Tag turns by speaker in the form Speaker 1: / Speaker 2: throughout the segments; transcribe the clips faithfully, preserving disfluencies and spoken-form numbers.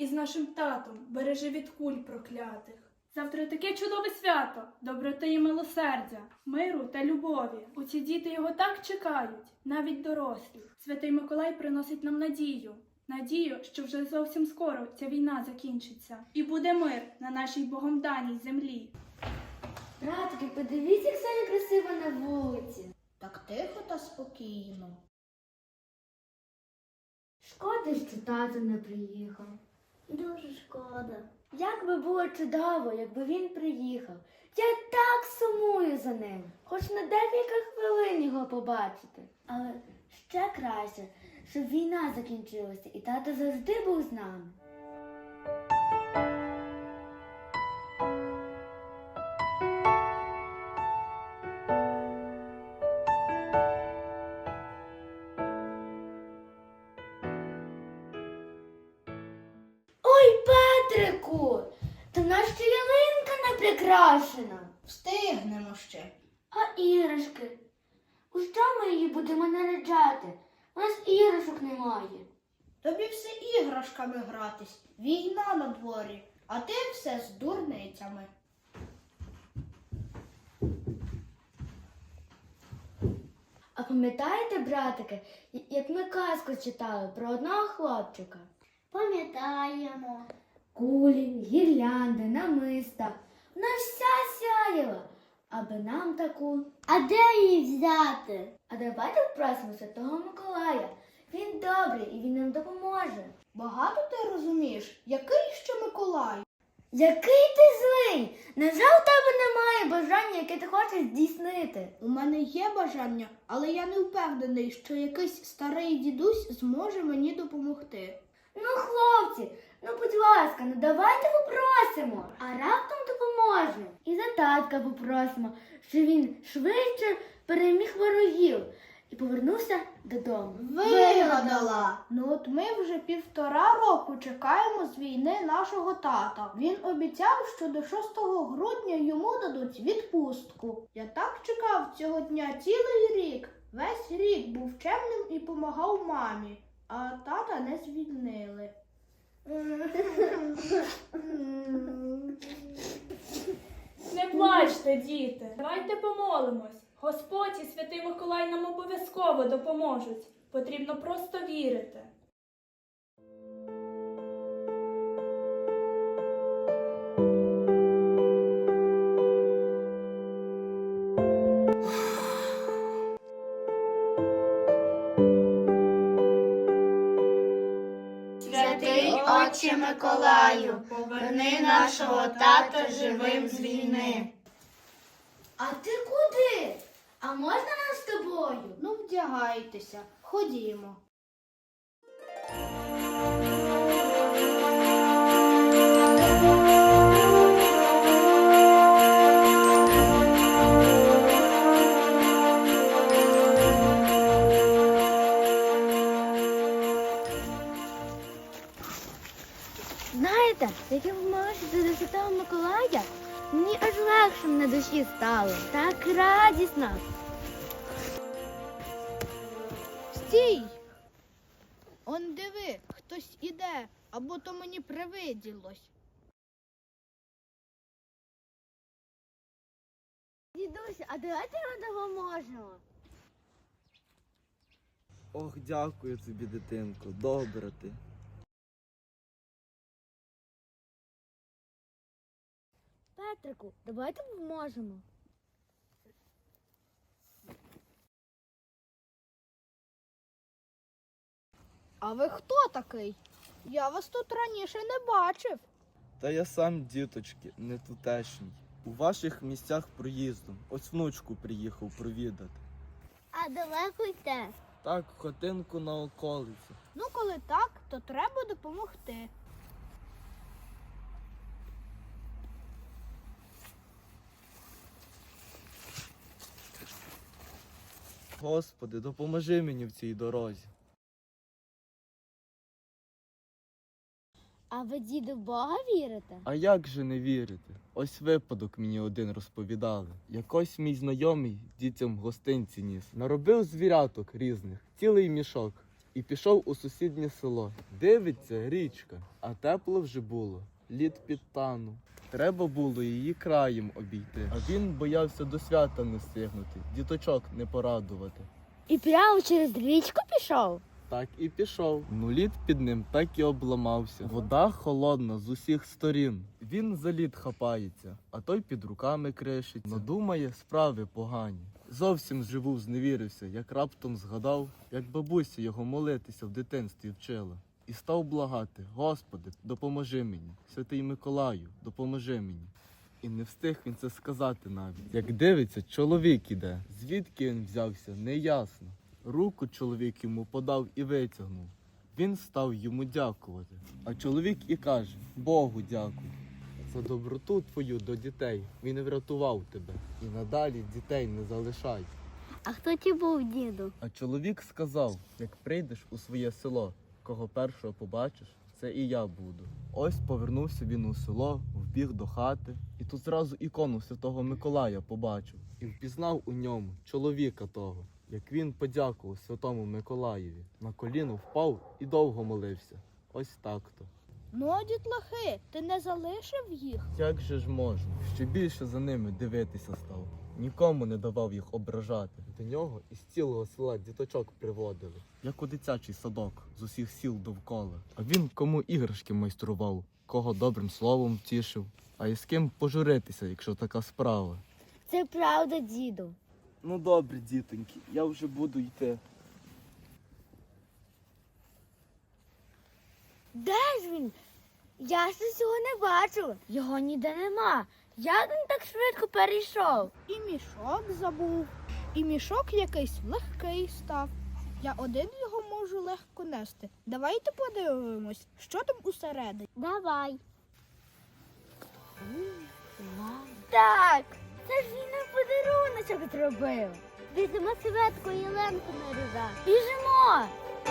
Speaker 1: із нашим татом, бережи від куль проклятих. Завтра таке чудове свято, доброти і милосердя, миру та любові. Оці діти його так чекають, навіть дорослі. Святий Миколай приносить нам надію. Надію, що вже зовсім скоро ця війна закінчиться. І буде мир на нашій Богом даній землі.
Speaker 2: Братки, подивіться, як сьогодні красиво на вулиці.
Speaker 3: Так тихо та спокійно.
Speaker 2: Шкода, що тато не приїхав.
Speaker 3: Дуже шкода.
Speaker 2: Як би було чудово, якби він приїхав. Я так сумую за ним. Хоч на декілька хвилин його побачити. Але ще краще, щоб війна закінчилася і тато завжди був з нами. Ой, Петрику, та наша ялинка не прикрашена.
Speaker 3: Встигнемо ще.
Speaker 2: А іграшки? У що ми її будемо наряджати? У нас іграшок немає.
Speaker 3: Тобі все іграшками гратись. Війна на дворі, а ти все з дурницями.
Speaker 2: А пам'ятаєте, братики, як ми казку читали про одного хлопчика?
Speaker 3: Пам'ятаємо.
Speaker 2: Кулі, гірлянди, намиста. Вона вся сяяла, аби нам таку.
Speaker 3: А де її взяти?
Speaker 2: А давайте попросимо Святого Миколая. Він добрий і він нам допоможе.
Speaker 3: Багато ти розумієш, який ще Миколай?
Speaker 2: Який ти злий! Невже у тебе немає бажання, яке ти хочеш здійснити?
Speaker 3: У мене є бажання, але я не впевнений, що якийсь старий дідусь зможе мені допомогти.
Speaker 2: Ну, хлопці, ну будь ласка, ну давайте попросимо, а раптом допоможе. І за татка попросимо, щоб він швидше переміг ворогів і повернувся додому.
Speaker 3: Вигадала! Ну от ми вже півтора року чекаємо з війни нашого тата. Він обіцяв, що до шостого грудня йому дадуть відпустку. Я так чекав цього дня цілий рік. Весь рік був чемним і помагав мамі, а тата не звільнили.
Speaker 1: Не плачте, діти, давайте помолимось. Господь і Святий Миколай нам обов'язково допоможуть. Потрібно просто вірити.
Speaker 4: Святий Отче Миколаю, поверни нашого тата живим з війни.
Speaker 2: А ти куди? А можна нам з тобою?
Speaker 3: Ну, вдягайтеся, ходімо.
Speaker 2: Знаєте, як я помолилася до Святого Миколая, мені аж легше на душі стало. Так радісно.
Speaker 3: Стій! Он диви, хтось іде, або то мені привиділось.
Speaker 2: Дідусь, а давайте ми допоможемо.
Speaker 5: Ох, дякую тобі, дитинко, добра ти.
Speaker 2: Петрику, давайте допоможемо.
Speaker 3: А ви хто такий? Я вас тут раніше не бачив.
Speaker 5: Та я сам, діточки, не тутешній. У ваших місцях проїздом. Ось внучку приїхав провідати.
Speaker 2: А далеко йде?
Speaker 5: Так, хатинку на околиці.
Speaker 3: Ну, коли так, то треба допомогти.
Speaker 5: Господи, допоможи мені в цій дорозі.
Speaker 2: А ви, діду, в Бога вірите?
Speaker 5: А як же не вірити? Ось випадок мені один розповідали. Якось мій знайомий дітям гостинці ніс. Наробив звіряток різних, цілий мішок. і пішов у сусіднє село. Дивиться, річка, а тепло вже було. Лід підтанув. Треба було її краєм обійти. А він боявся до свята не встигнути, діточок не порадувати.
Speaker 2: І прямо через річку пішов?
Speaker 5: Так і пішов. Ну лід під ним так і обламався. Вода холодна з усіх сторін. Він за лід хапається, а той під руками кришиться. Надумає справи погані. Зовсім живу зневірився, як раптом згадав, як бабуся його молитися в дитинстві вчила. І став благати: Господи, допоможи мені, святий Миколаю, допоможи мені. І не встиг він це сказати навіть. Як дивиться, чоловік іде. Звідки він взявся, неясно. Руку чоловік йому подав і витягнув. Він став йому дякувати. А чоловік і каже: Богу дякуй за доброту твою до дітей. Він врятував тебе. І надалі дітей не залишай.
Speaker 2: А хто ті був, діду?
Speaker 5: А чоловік сказав: як прийдеш у своє село, кого першого побачиш, це і я буду. Ось повернувся він у село, вбіг до хати, і тут зразу ікону Святого Миколая побачив. І впізнав у ньому чоловіка того, як він подякував Святому Миколаєві. На коліно впав і довго молився. Ось так-то.
Speaker 3: Ну, а дітлахи, ти не залишив їх?
Speaker 5: Як же ж можна? Ще більше за ними дивитися став. Нікому не давав їх ображати. До нього із цілого села діточок приводили, як у дитячий садок з усіх сіл довкола. А він кому іграшки майстрував, кого добрим словом втішив, а із ким пожуритися, якщо така справа.
Speaker 2: Це правда, діду.
Speaker 5: Ну добре, дітоньки, я вже буду йти.
Speaker 2: Де ж він? Я щось його не бачу. Його ніде нема. Як він так швидко перейшов?
Speaker 3: І мішок забув, і мішок якийсь легкий став. Я один його можу легко нести. Давайте подивимось, що там усередині.
Speaker 2: Давай. Так, це ж він нам подаруночок зробив. Візьмемо Светку і Ленку нарізати. Біжимо!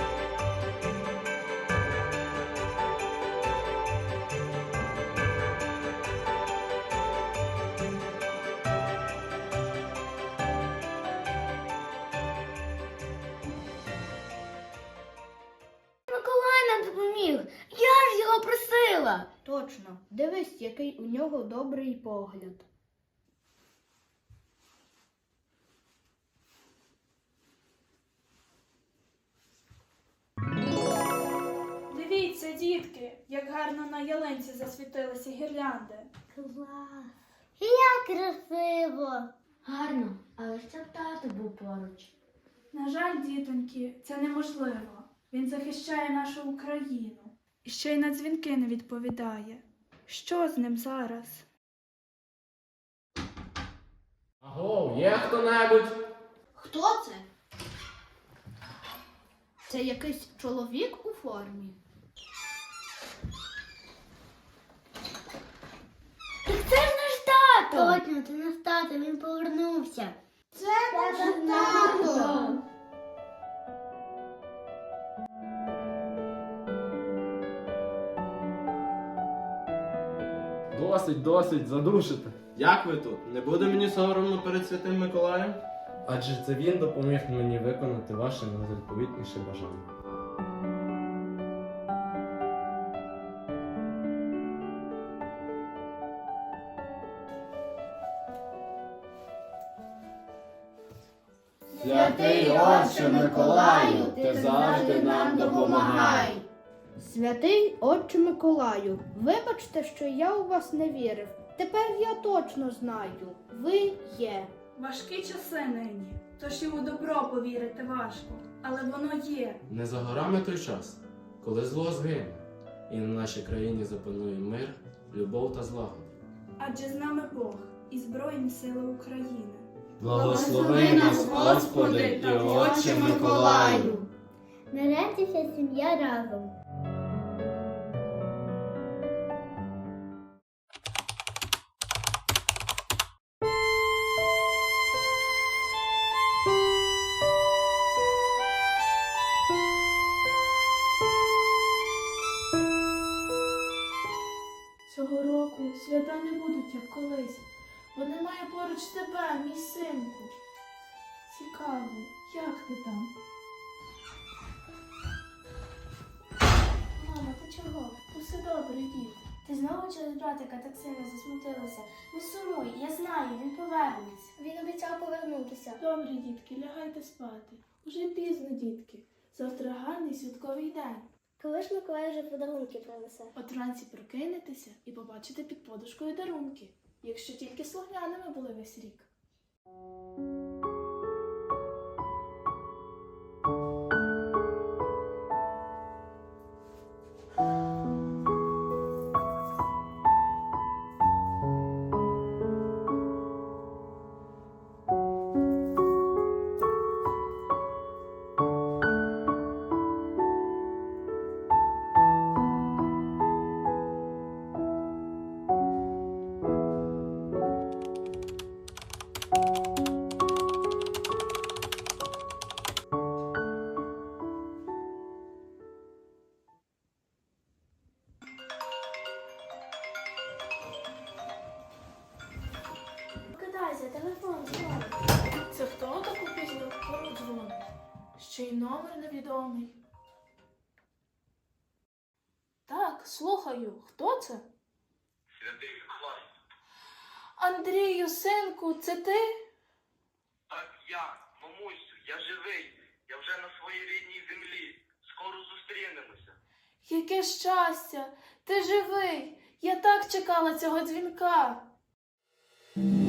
Speaker 2: Миколай нам допоміг. Я ж його просила.
Speaker 3: Точно, дивись, який у нього добрий погляд.
Speaker 1: Дивіться, дітки, як гарно на ялинці засвітилися гірлянди.
Speaker 2: Клас. Як красиво. Гарно, але щоб тато був поруч.
Speaker 1: На жаль, дітоньки, це неможливо. Він захищає нашу Україну. І ще й на дзвінки не відповідає. Що з ним зараз?
Speaker 6: Аго, є хто-небудь?
Speaker 3: Хто це? Це якийсь чоловік у формі.
Speaker 2: Так це ж наш тато! Точно, це наш тато, він повернувся.
Speaker 3: Це наш тато!
Speaker 6: Досить, досить, задушите.
Speaker 7: Як ви тут? Не буде мені соромно перед святим Миколаєм?
Speaker 6: Адже це він допоміг мені виконати ваше найзаповітніше бажання.
Speaker 4: Святий Отче Миколаю, ти завжди нам допомагай.
Speaker 3: Святий Отче Миколаю, вибачте, що я у вас не вірив. Тепер я точно знаю, ви є.
Speaker 1: Важкі часи нині, тож і у добро повірити важко, але воно є.
Speaker 8: Не за горами той час, коли зло згине, і на нашій країні запанує мир, любов та злагода.
Speaker 1: Адже з нами Бог і Збройні Сили України.
Speaker 4: Благослови нас, Господи, і Отче Миколаю.
Speaker 2: Нарешті вся сім'я разом.
Speaker 1: Цього року свята не будуть, як колись, бо немає поруч тебе, мій синку. Цікаво, як ти там? добрий дід.
Speaker 2: Ти знову через братика так сильно засмутилася. Не сумуй, я знаю, він повернеться. Він обіцяв повернутися.
Speaker 1: Добре, дітки, лягайте спати. Уже пізно, дітки. Завтра гарний святковий день.
Speaker 2: Коли ж Миколай вже подарунки принесе?
Speaker 1: От вранці прокинетеся і побачите під подушкою дарунки, якщо тільки слухняними були весь рік.
Speaker 2: Покидайся, телефон дзвонить.
Speaker 1: Це хто таку пізню пору дзвонить? Ще й номер невідомий. Так, слухаю, хто це?
Speaker 9: Святий Миколай.
Speaker 1: Андрію, синку, це ти?
Speaker 9: Так я, мамусю, я живий. Я вже на своїй рідній землі. Скоро зустрінемося.
Speaker 1: Яке щастя! Ти живий! Я так чекала цього дзвінка.